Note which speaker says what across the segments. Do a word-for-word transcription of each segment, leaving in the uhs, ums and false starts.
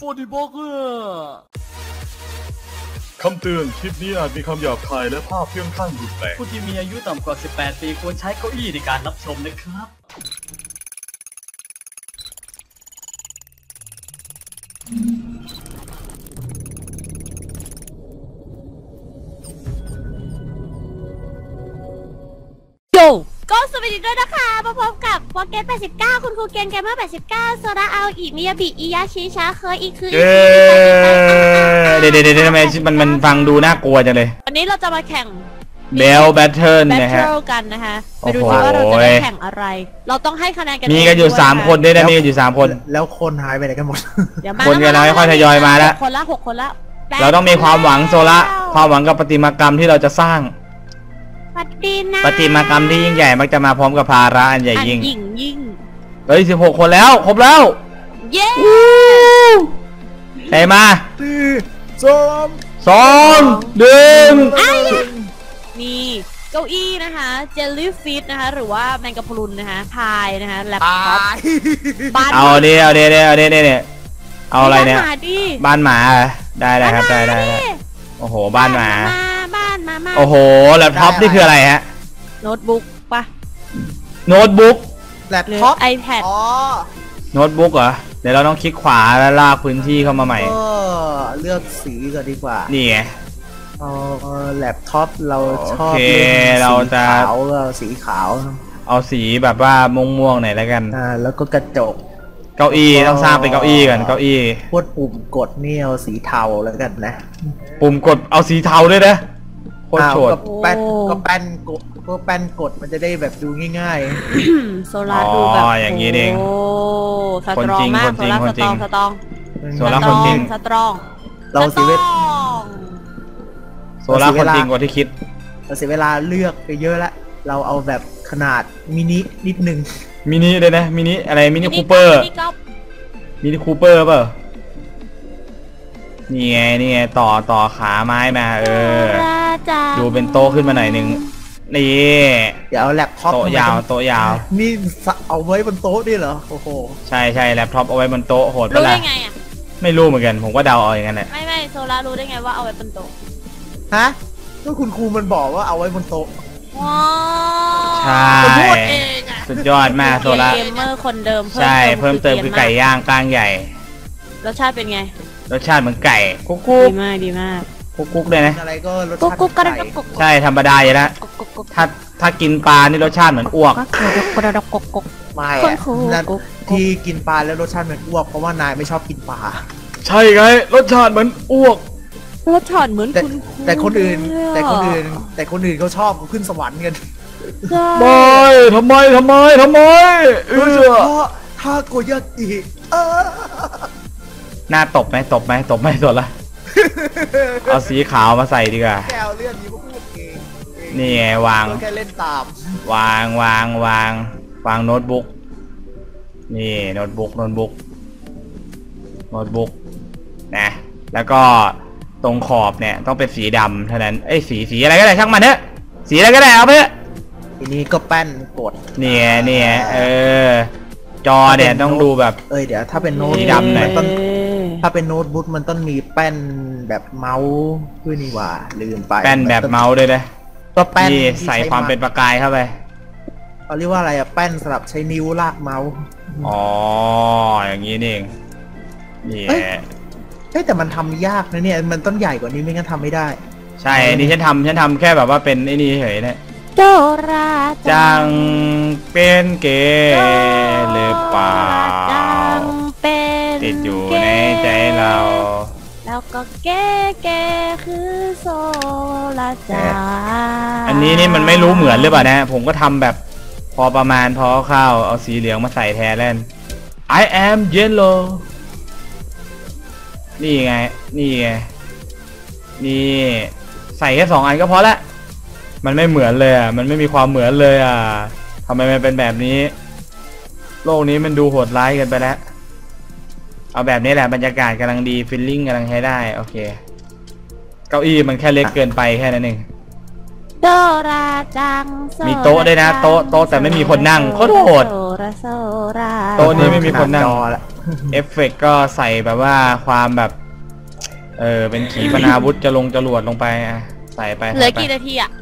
Speaker 1: ฟอร์ดิบล็อกเกอร์
Speaker 2: คำเตือนคลิปนี้อาจมีคำหยาบคายและภาพเพื่อนข้างรุนแรง
Speaker 1: ผู้ที่มีอายุต่ำกว่าสิบแปดปีควรใช้เก้าอี้ในการรับชมนะครับ
Speaker 3: โยก็สวัสดีด้วยนะคะมาพบกับวอเกตแปดสิบเก้าคุณครูเกนเกมเมอร์แปดสิบเก้าโซราเอาอีมิยาบิอิยาชิชาเคยอีกคือ
Speaker 4: เดี๋ยวเดี๋ยวเดี๋ยวทำไมมันมันฟังดูน่ากลัวจังเลย
Speaker 3: วันนี้เราจะมาแข่ง
Speaker 4: เบลแบทเทิลนะฮะ
Speaker 3: กันนะคะไปดูดิว่าเราจะได้แข่งอะไรเราต้องให้คะแนนกัน
Speaker 4: มีกันอยู่สามคนด้วยนะมีกันอยู่สามคน
Speaker 5: แล้วคนหายไปไหนกันหมด
Speaker 4: คนกันเราค่อยทยอยมาแล้ว
Speaker 3: คนละหกคนละ
Speaker 4: เราต้องมีความหวังโซละความหวังกับประติมากรรมที่เราจะสร้างประติมากรรมที่ยิ่งใหญ่มักจะมาพร้อมกับภาระอันใหญ่ยิ่ง
Speaker 3: ยิ่งยิ่ง
Speaker 4: เฮ้ยสิบหกคนแล้วครบแล้ว
Speaker 3: เย้
Speaker 4: ใครมา
Speaker 5: สี่สอง
Speaker 4: สองหนึ่ง
Speaker 3: นี่เก้าอี้นะคะเจลลี่ฟิตนะคะหรือว่าแมงกะพรุนนะคะพายนะคะแล็ปท็อป
Speaker 4: บ้านเอาเดี๋ยวเดี๋ยวเดี๋ยวเดี๋ยวเดี๋ยวเอาอะไรเนี่ยบ้านหมาได้ได้ครับได้ได้โอ้โหบ้านหมา
Speaker 3: บ้านมา
Speaker 4: โอ้โหแล็ปท็อปนี่คืออะไรฮะ
Speaker 3: โน้ตบุ๊กปะ
Speaker 4: โน้ตบุ๊ก
Speaker 5: แล็ปท็อป
Speaker 3: ไอแพด
Speaker 5: อ๋อ
Speaker 4: โน้ตบุ๊กเหรอเดี๋ยวเราต้องคลิกขวาแล้วลากพื้นที่เข้ามาใหม่
Speaker 5: ก็เลือกสีก่อนดีกว่า
Speaker 4: นี่ไง
Speaker 5: เออแล็ปท็อปเราชอบเล่นสีขาวเราสีขาว
Speaker 4: เอาสีแบบว่าม่วงๆหน่อยแล้วกัน
Speaker 5: อ่าแล้วก็กระจก
Speaker 4: เก้าอี้ต้องสร้างเป็นเก้าอี้กันเก้าอี้
Speaker 5: พวกปุ่มกดนี่เอาสีเทาแล้วกันนะ
Speaker 4: ปุ่มกดเอาสีเทาด้วยนะโคตรโฉด
Speaker 5: ก็แป้นก็แป้นกดก็แป้นกดมันจะได้แบบดูง่าย
Speaker 3: ๆโซลาดูแบบ
Speaker 4: อย่างนี้เอง
Speaker 3: โอ้สตรองมากโซลาสตรองสตรอง
Speaker 4: โซลาคนจริง
Speaker 3: สตรอง
Speaker 5: เราเสียเวลา
Speaker 4: โซลาคนจริงกว่าที่คิด
Speaker 5: เราเสียเวลาเลือกไปเยอะละเราเอาแบบขนาดมินินิดนึง
Speaker 4: มินิเลยนะมินิอะไรมินิคูเปอร์มินิคูเปอร์เปล่านี่ไงนี่ไงต่อต่อขาไม้มาเออดูเป็นโต๊ะขึ้นมาหน่อยนึงนี่
Speaker 5: เดี๋ยวเอาแล็ปท็อป
Speaker 4: โต๊ะยาวโต๊ะยาว
Speaker 5: นี่เอาไว้บนโต๊ะดิเหรอโอ้โห
Speaker 4: ใช่ใช่แล็ปท็อปเอาไว้บนโต๊ะโหดไปละ
Speaker 3: รู้ได้ไงอ่ะ
Speaker 4: ไม่รู้เหมือนกันผมก็เดาเอาอย่างนั้นแหละ
Speaker 3: ไม่ไม่โซล่ารู้ได้ไงว่าเอาไว้บนโต๊ะ
Speaker 5: ฮะก็คุณครูมันบอกว่าเอาไว้บนโต๊ะ
Speaker 3: ว้า
Speaker 4: ใช่สุดยอดมากโซล่า
Speaker 3: เกมเมอร์คนเดิม
Speaker 4: ใช่เพิ่มเติมคือไก่ย่างกลางใหญ่
Speaker 3: รสชาติเป็นไง
Speaker 4: รสชาติเหมือนไก่กุ๊กกุ๊ก
Speaker 3: ดีมากดีมาก
Speaker 4: กุ๊กกุ๊กเลยนะ
Speaker 5: อะไรก็รสชาติ
Speaker 3: กุ๊กกุ๊ก
Speaker 4: ใช่ธรรมดาอยู่แล้วถ้าถ้ากินปลานี่รสชาติเหมือนอ้วก
Speaker 5: ไม่ที่กินปลาแล้วรสชาติเหมือนอ้วกเพราะว่านายไม่ชอบกินปลา
Speaker 4: ใช่ไงรสชาติเหมือนอ้วก
Speaker 3: รสชาติเหมือนคุณ
Speaker 5: แต่คนอื่นแต่คนอื่นแต่คนอื่นเขาชอบเขาขึ้นสวรรค์กัน
Speaker 4: ไม่ทำไมทำไมทำไม
Speaker 5: โดยเฉพาะทาโกยากิ
Speaker 4: หน้าตบไหมตบไหมตบไหมสดละเอาสีขาวมาใส่ดีกว่า
Speaker 5: แก้วเลื่อนนี้ก็พูดเอง
Speaker 4: นี่ไงวาง
Speaker 5: แค่เล่นตาม
Speaker 4: วางวางวางวางโน้ตบุ๊กนี่โน้ตบุ๊กโน้ตบุ๊กโน้ตบุ๊กนะแล้วก็ตรงขอบเนี่ยต้องเป็นสีดำเท่านั้นเอ้ยสีสีอะไรก็ได้ช่างมันเถอะสีอะไรก็ได้เอาไปเถอะ
Speaker 5: ทีนี้ก็แป้นกด
Speaker 4: เนี่ยเนี่ยเออจอเนี่ยต้องดูแบบ
Speaker 5: เอ้ยเดี๋ยวถ้าเป็นโน้ตดำเนี่ยต้องถ้าเป็นโน้ตบุ๊กมันต้องมีแป้นแบบเมาส์ด้วยนี่ว่าลืมไป
Speaker 4: แป้นแบบเมาส์ด้วยนะ
Speaker 5: ก็แป้น
Speaker 4: ใส่ความเป็นประกายเข้าไป
Speaker 5: เขาเรียกว่าอะไรอะแป้นสำหรับใช้นิ้วลากเมาส์
Speaker 4: อ๋ออย่างนี้นี่เองนี่
Speaker 5: เฮ้ยแต่มันทำยากนะเนี่ยมันต้องใหญ่กว่านี้ไม่งั้นทำไม่ได้
Speaker 4: ใช่นี่ฉันทำฉันทำแค่แบบว่าเป็นไอ้นี่เฉยเนี่ย
Speaker 3: โดรา
Speaker 4: จังเป็นเกย์หรือเปล่าติดอยู่ในใจเรา
Speaker 3: แล้วก็เก๋เก๋คือโซลาจา
Speaker 4: อันนี้นี่มันไม่รู้เหมือนหรือเปล่านะผมก็ทำแบบพอประมาณพอเข้าเอาสีเหลืองมาใส่แทนเล่น I am yellow นี่ไงนี่ไงนี่ใส่แค่สองอันก็พอละมันไม่เหมือนเลยอ่ะมันไม่มีความเหมือนเลยอ่ะทำไมมันเป็นแบบนี้โลกนี้มันดูโหดร้ายเกินไปแล้วเอาแบบนี้แหละบรรยากาศกำลังดีฟีลลิ่งกำลังใช้ได้โอเคเก้าอี้มันแค่เล็กเกินไปแค่นั้นเอง
Speaker 3: โดราจัง
Speaker 4: มีโต๊ะด้วยนะโต๊ะโต๊ะแต่ไม่มีคนนั่งโคตรโหดโต๊ะนี้ไม่มีคนนั่งเอฟเฟกต์ก็ใส่แบบว่าความแบบเออเป็นขีปนาวุธจะลงจรวดลงไปอ่ะใส่ไป
Speaker 3: เหลือ
Speaker 4: ใส่ไป
Speaker 3: กี่นาทีอ่ะ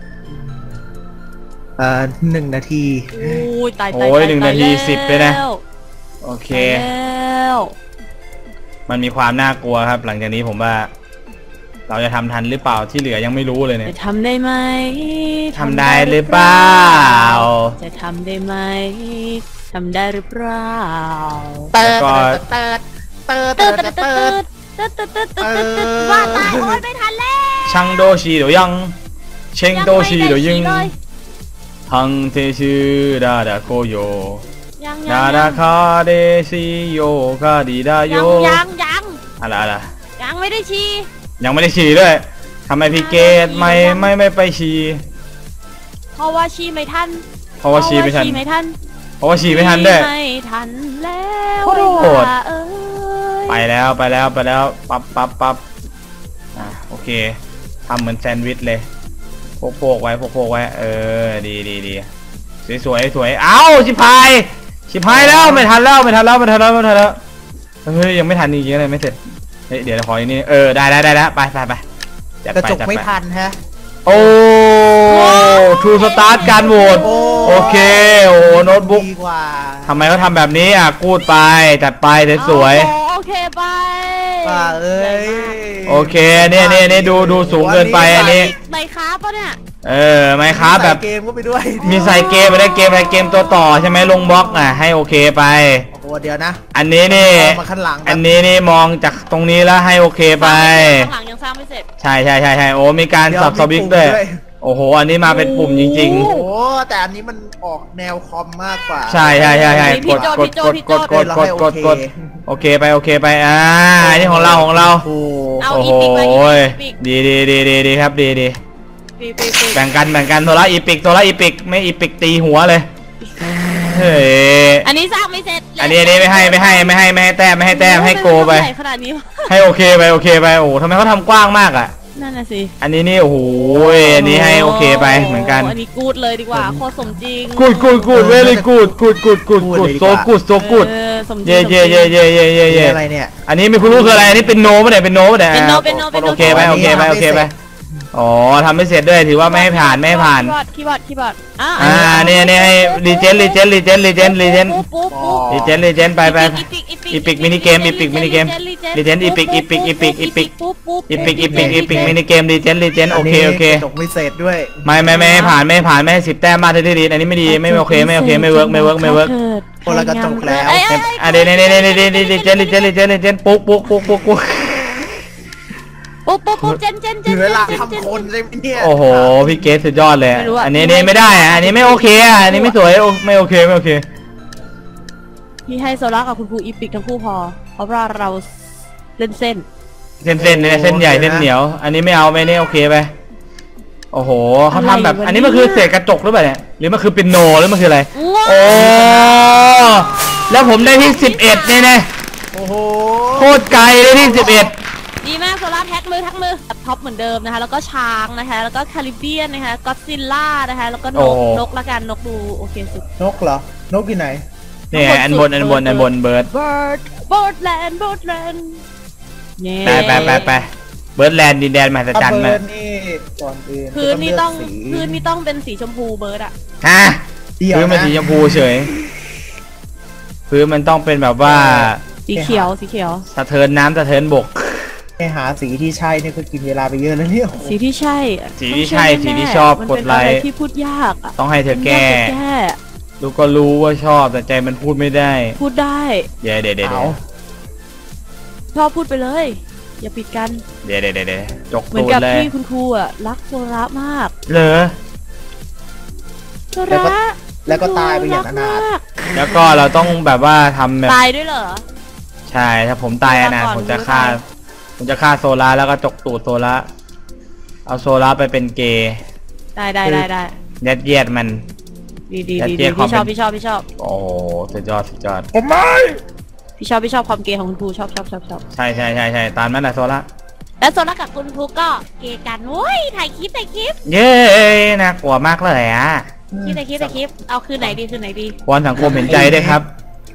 Speaker 5: เอ่อหนึ่งนาที
Speaker 3: โอ้ยตายตาย
Speaker 4: โอ้ยหนึ่งนาทีสิบไปนะโอเค
Speaker 3: แล้ว
Speaker 4: มันมีความน่ากลัวครับ หลังจากนี้ผมว่า เราจะทำทันหรือเปล่าที่เหลือยังไม่รู้เลยเนี่ย
Speaker 3: จะทำได้ไหม
Speaker 4: ทำได้หรือเปล่า
Speaker 3: จะทำได้ไหมทำได้หรือเปล่า
Speaker 5: เติร์ด
Speaker 4: แล้วก็
Speaker 5: เติร์ดเติร์ดเติ
Speaker 3: ตื
Speaker 5: ร์
Speaker 3: ด
Speaker 5: ด
Speaker 3: ตื
Speaker 5: เติ
Speaker 3: ด
Speaker 5: ร์ด
Speaker 3: ตืดตืดตืดตืดตืดตืด
Speaker 5: เออ
Speaker 3: ว่าตายโอ้ยไม่ทันแล้ว
Speaker 4: ช่างโดชีเดี๋ยวยังเชงโดชีเดี๋ยวยิง
Speaker 3: เลย
Speaker 4: ทังเทชื่อดาดาโกโย
Speaker 3: ยัง
Speaker 4: ดา
Speaker 3: ยัง
Speaker 4: ดาคาเดซิโยคาดีดาโย
Speaker 3: ยังยังยัง
Speaker 4: อะไรอะไร
Speaker 3: ยังไม่ได้ชี้
Speaker 4: ยังไม่ได้ฉี่ด้วยทำไมพี่เกตไม่ไม่ไม่ไปฉี่
Speaker 3: เพราะว่าชี้ไม่ทัน
Speaker 4: เพราะว่าฉี่ไม่ทัน
Speaker 3: เพราะว่าชี้ไม่ทัน
Speaker 4: เพราะว่าฉี่ไม่ทันด้วย
Speaker 3: ไม่ทันแล้ว
Speaker 4: โคตรโหด
Speaker 3: ว่าเอ้ย
Speaker 4: ไปแล้วไปแล้วไปแล้วปั๊บปั๊บปั๊บอ่ะโอเคทำเหมือนแซนด์วิชเลยโปกๆไว้โปกๆไว้เออดีดีดีสวยสวยสวยเอ้าชิพายชิพายแล้วไม่ทันแล้วไม่ทันแล้วไม่ทันแล้วไม่ทันแล้วเฮ้ยยังไม่ทันอีกเลยไม่เสร็จเฮ้ยเดี๋ยวขออีกนี่เออได้ได้ได้แล้วไปไปไปจัด
Speaker 5: กระ
Speaker 4: ไป
Speaker 5: จก
Speaker 4: จัด
Speaker 5: ไม่
Speaker 4: ไป
Speaker 5: ทันฮะ
Speaker 4: โอ้ทูสตาร์ทการโหวต
Speaker 5: โอ้
Speaker 4: โอเคโอ้โน้ตบุ๊ก
Speaker 5: ดีกว่า
Speaker 4: ทำไมเขาทำแบบนี้อ่ะกูดไปจัดไปสวย
Speaker 3: โอ้โอเคไป
Speaker 5: ว่าเอ้ย
Speaker 4: โอเคเนี่ยเนี่ยเนี่ยดูดูสูงเกินไปอันนี้
Speaker 3: ใบค้าปะเนี่ย
Speaker 4: เออไม่ครับแบบ
Speaker 5: ใส่เกมก็ไปด้วย
Speaker 4: มีใส่เกมไปได้เกมอะไรเกมตัวต่อใช่ไหมลงบล็อกอ่ะให้โอเคไป
Speaker 5: โอ้โหเดี๋ยวนะ
Speaker 4: อันนี้นี่
Speaker 5: เอามาข้างหลัง
Speaker 4: อันนี้นี่มองจากตรงนี้แล้วให้โอเคไป
Speaker 3: ข้างหลังยังสร้างไม่เสร็จ
Speaker 4: ใช่ใช่ใช่ใช่โอ้มีการ
Speaker 5: เดี๋ยว
Speaker 4: สับสวิก
Speaker 5: มีปุ่ม
Speaker 4: ด้วย
Speaker 5: ด้วย
Speaker 4: โอ้โหอันนี้มาเป็นปุ่มจริง
Speaker 5: โอ้โหแต่อันนี้มันออกแนวคอมมากกว่า
Speaker 4: ๆ ใช่ใช่ใช่ใช่
Speaker 3: พี่
Speaker 4: กด
Speaker 3: โจ
Speaker 4: กด
Speaker 3: พี่โจ
Speaker 4: กด
Speaker 3: พี่
Speaker 4: ก
Speaker 3: โจ
Speaker 4: ดกดกดกดกด
Speaker 5: โอเค
Speaker 4: โอเคไปโอเคไปอ่าอันนี้ของเราของเรา
Speaker 5: โอ้โห
Speaker 3: เอา
Speaker 4: โอ้
Speaker 3: อี
Speaker 4: โห
Speaker 3: ปิกมาอีปิก
Speaker 4: ดีดีดีดีดีครับดีดี
Speaker 3: ปีปีปี
Speaker 4: แบ่งกันแบ่งกันโซล่าอีปิกโซล่าอีปิกไม่อีปิกตีหัวเลยเฮ้ย
Speaker 3: อันนี้สร้างไม่เสร็จ
Speaker 4: อันนี้อันนี้ไม่ให้ไม่ให้ไม่ให้ไม่ให้แต้มไม่ให้แต้มให้โกไป
Speaker 3: ใหญ่ขนาดนี้วะ
Speaker 4: ให้โอเคไปโอเคไปโอ้โหทำไมเขาทำกว้างมากอ่ะ
Speaker 3: นั่นน่ะสิ
Speaker 4: อันนี้นี่โอ้โหอันนี้ให้โอเคไปเหมือนกัน
Speaker 3: อันนี้กูดเลยดีกว่าโคตรสมจริง
Speaker 4: กูดกูดกูดเวลี่กูดกูดกูดกูดกูดโซกูดโซกูด
Speaker 3: เออสมจริง
Speaker 4: เย่เย่เย่เย่เย่เย่เย่
Speaker 5: อะไรเนี่ย
Speaker 4: อันนี้ไม่คุณรู้คืออะไรอันนี้เป็นโนป่ะเนี่ยเป็นโนป่ะเนี่ย
Speaker 3: เป็นโนเป็นโนเป็นโน
Speaker 4: โอเคไปโอเคไปโอเคไปอ๋อทำไม่เสร็จด้วยถือว่าไม่ให้ผ่านไม่ให้ผ่าน
Speaker 3: คีย์บอร์ดคีย์บอร์ดอ่า
Speaker 4: อ่าเนี่ยเนี่ยให้รีเจนรีเจนรีเจนรีเจนรีเจน
Speaker 3: ปุ๊บปุ๊บปุ๊บ
Speaker 4: รีเจนรีเจนไปไป
Speaker 3: อีปิก
Speaker 4: Epic Minigame Epic Minigame Legend Epic Epic Epic Epic
Speaker 3: ปุ๊บปุ๊บ
Speaker 4: อีปิกอีปิกอีปิกมินิเกมรีเจนรีเจนโอเคโอเค
Speaker 5: จบไม่เสร็จด้วย
Speaker 4: ไม่ไม่ไม่ให้ผ่านไม่ให้ผ่านไม่ให้สิบแต้มมาที่ดีอันนี้ไม่ดีไม่โอเคไม่โอเคไม่เวิร์กไม่เวิร์กไม่เวิร์ก
Speaker 5: คนละกระจกแล้ว
Speaker 4: อ่ะเดี๋ยวเนี่ยเนี่ยเนี่ยเนี่ยรีเจนรีเจนรีเจนรีเจนปุ๊กปุ๊กปุ๊กปุ๊กปุ๊ก
Speaker 3: ปุ๊บปุ๊บปุ๊บเจนเจนเจ
Speaker 5: ถึ
Speaker 3: น
Speaker 5: งเวลาทำคนใช่ไหมเนี่ย
Speaker 4: โอ้โหพี่เกสสุดยอดเลย
Speaker 3: ไม่รู้อะ
Speaker 4: อันนี้นี่ไม่ได้อ่ะอันนี้ไม่โอเคอ่ะอันนี้ไม่สวยไม่โอเคไม่โอเค
Speaker 3: พี่ให้โซล่ากับคุณครูอีปิกทั้งคู่พอ เพราะว่าเราเล่นเส้น
Speaker 4: เส้นเส้นเนี่ยเส้นใหญ่เส้นเหนียว อันนี้ไม่เอาไม่นี่โอเคไปโอ้โหเขาทำแบบอันนี้มันคือเศษกระจกหรือเปล่าเนี่ยหรือมันคือปินโนหรือมันคืออะไรโอ้แล้วผมได้ที่สิบเอ็ดเนี่ยนะ
Speaker 5: โอ้โห
Speaker 4: โคตรไกลได้ที่สิบเอ็ด
Speaker 3: ดีมากโซล่าแท็กมือแท็กมือท็อปเหมือนเดิมนะคะ แล้วก็ช้างนะคะ แล้วก็คาริเบียนนะคะก็อดซิลล่านะคะ แล้วก็นกนกละกันนกดูโอเคสุด
Speaker 5: นกเหรอนกที่ไหน
Speaker 4: เนี่ยอันบนอันบนอันบนเบิร์ด
Speaker 3: bird birdland birdland
Speaker 4: ไปไปไปไปเบิร์ดแลนด์ดินแดนมหัศจรรย์
Speaker 5: เบิ
Speaker 4: มา
Speaker 5: ร์ดนี่ก่อนอื่น
Speaker 3: พื้นนี่ต้อง
Speaker 5: เลืกสี
Speaker 3: พื้นนี่ต้องเป็นสีชมพูเบิร์ดอะ
Speaker 4: ฮะ
Speaker 5: เดี๋ยว
Speaker 4: พื้นมัน
Speaker 5: นะ
Speaker 4: สีชมพูเฉยพื้นมันต้องเป็นแบบว่า
Speaker 3: สีเขียวสีเขียว
Speaker 4: สะเทินน้ำสะเทินบก
Speaker 5: ให้หาสีที่ใช่เนี่ยก็กินเวลาไปเยอะแล้วเนี่ย
Speaker 3: สีที่ใช่อะ
Speaker 4: สีที่ใช่
Speaker 3: ต้อง
Speaker 4: สีที่
Speaker 3: แน่ๆ
Speaker 4: ชอบ
Speaker 3: มัน
Speaker 4: กด
Speaker 3: เป็น
Speaker 4: ไล
Speaker 3: อะไร
Speaker 4: ค์
Speaker 3: ที่พูดยากอะ
Speaker 4: ต้องให้เธอแก้
Speaker 3: มันยาจะแก้
Speaker 4: ดูก็รู้ว่าชอบแต่ใจมันพูดไม่ได้
Speaker 3: พูดได้
Speaker 4: เดี๋ยวเดี๋ยวเดี๋ยว
Speaker 5: เอา
Speaker 3: ชอบพูดไปเลย อย่าปิดกัน
Speaker 4: เดี๋ยวเดี๋ยวเดี๋ยวเดี๋ยวจก
Speaker 3: เหมือน
Speaker 4: ตูด
Speaker 3: กับ
Speaker 4: เลย
Speaker 3: ที่คุณครูอะรักโซระมาก
Speaker 4: เหรอ
Speaker 3: โซระ
Speaker 5: แล้วก็ตายไปอย่างอนาถ
Speaker 3: รักมาก
Speaker 4: แล้วก็เราต้องแบบว่าทำแบบ
Speaker 3: ตายด้วยเหรอ
Speaker 4: ใช่ถ้าผมตายอะนะ
Speaker 3: ก่อน
Speaker 4: ผมจะ
Speaker 3: รู้
Speaker 4: ฆ่า
Speaker 3: ตาย
Speaker 4: ผมจะฆ่าโซล่าแล้วก็จกตูดโซล่าเอาโซล่าไปเป็นเกย์
Speaker 3: ได้ได้ได้ได้
Speaker 4: ยัดเยียดมัน
Speaker 3: ดีดี
Speaker 4: แต่
Speaker 3: ดี
Speaker 4: เจ๊
Speaker 3: ดี
Speaker 4: ความ
Speaker 3: พี่ชอบ
Speaker 4: เป็น
Speaker 3: พี่ชอบพี่ชอบ
Speaker 4: โอ้โหสุดยอดสุดยอด
Speaker 5: ผมไม่
Speaker 3: พี่ชอบพี่ชอบความเกย์ของคุณครูชอบชอบชอบชอบ
Speaker 4: ใช่ใช่ใช่ใช่ตามนั้นแหละโซล่า
Speaker 3: แล้วโซระกับคุณครูก็เกย์กันโว้ยถ่ายคลิปถ่ายคลิป
Speaker 4: เย้น่ากลัวมากเลยอ่ะ
Speaker 3: คลิปถ่ายคลิปถ่ายคลิปเอาคืนไหนดีคืนไหนดี
Speaker 4: วอนสังคมเห็นใจด้วยครับ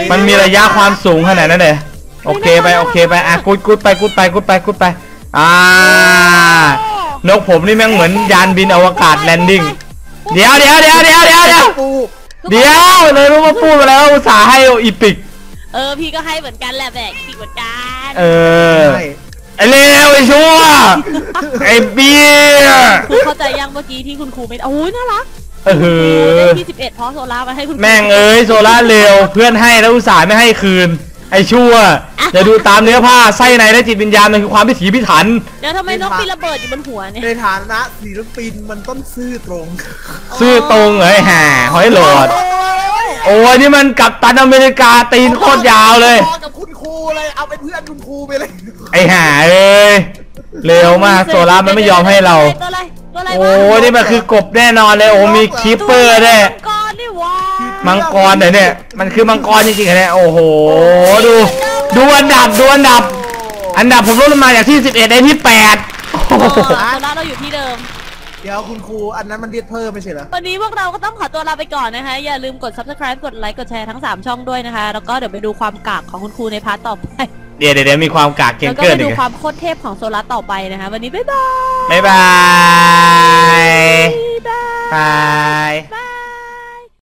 Speaker 4: มันมีระยะความสูงขนาดนั้นเลยโอเคไปโอเคไปอ่ะกุดกุดไปกุดไปกุดไปกุดไปอ่านกผมนี่แม่งเหมือนยานบินอวกาศแลนดิ้งเดี๋ยวเดี๋ยวเดี๋ยวเดี๋ยวเดี๋ยวเดี๋ยว
Speaker 5: ปู
Speaker 4: เดี๋ยวเลยรู้มาพูดมาแล้วอุตส่าห์ให้อีปิก
Speaker 3: เออพี่ก็ให้เหมือนกันแหละแบกพี่เหมือนกัน
Speaker 4: เออไอเลวไอชั่วไอเบี้ย
Speaker 3: ครูเข้าใจยังเมื่อกี้ที่คุณครูไม่โอ้ยน่ารัก
Speaker 4: เออ
Speaker 3: ได้ที่สิบเอ็ดเพราะโซล่ามาให้คุณครู
Speaker 4: แม่งเอ้ยโซล่าเร็วเพื่อนให้แล้วอุตส่าห์ไม่ให้คืนไอชั่วอย่าดูตามเนื้อผ้าไส้ในและจิตวิญญาณมันคือความพิถีพิถัน
Speaker 3: เดี๋ยวทำไมนกมีระเบิดอยู่บนหัวเนี่ย
Speaker 5: ในฐานะศิลปินมันต้องซื่อตรง
Speaker 4: ซื่อตรงเอ้ยแห่หอยโหลดโอ้ยนี่มันกัปตันอเมริกาตีนโคตรยาวเลย
Speaker 5: พอกับคุณครูเลยเอาเป็นเพื่อนคุณครูไปเลย
Speaker 4: ไอแห่เอ้ยเร็วมากโซล่ามันไม่ยอมให้เรา
Speaker 3: ตัวอะไรตัวอะไร
Speaker 4: โอ้ยนี่มันคือกบแน่นอนเลยโอ้มีคีปเปอร์ด้วย
Speaker 3: มังกรนี่ว้า
Speaker 4: มังกรเหรอเนี่ยมันคือมังกรจริงๆเหรอเนี่ยโอ้โหดูดูอันดับดูอันดับ อันดับผมลดลงมาจากที่สิบเอ็ดได้ที่แปดโอ้โห
Speaker 3: โซล่าเราอยู่ที่เดิม
Speaker 5: เดี๋ยวคุณครูอันนั้นมันเรียกเพิ่มไม่ใช่เหรอ
Speaker 3: วันนี้พวกเราก็ต้องขอตัวลาไปก่อนนะคะ อย่าลืมกด ซับสไครบ์ กดไลค์ กดแชร์ทั้งสามช่องด้วยนะคะ แล้วก็เดี๋ยวไปดูความกากของคุณครูในพาร์ทต่อไป
Speaker 4: เดี๋ยวเดี๋ยวมีความกากเก
Speaker 3: แล้ว
Speaker 4: ง
Speaker 3: ก็
Speaker 4: เกิ
Speaker 3: ไป
Speaker 4: นอี
Speaker 3: ดู
Speaker 4: ก
Speaker 3: ความโคตรเทพของโซล่าต่อไปนะคะ วันนี้บ๊ายบาย
Speaker 4: บ๊ายบาย
Speaker 3: บ๊ายบาย
Speaker 4: บาย
Speaker 3: บาย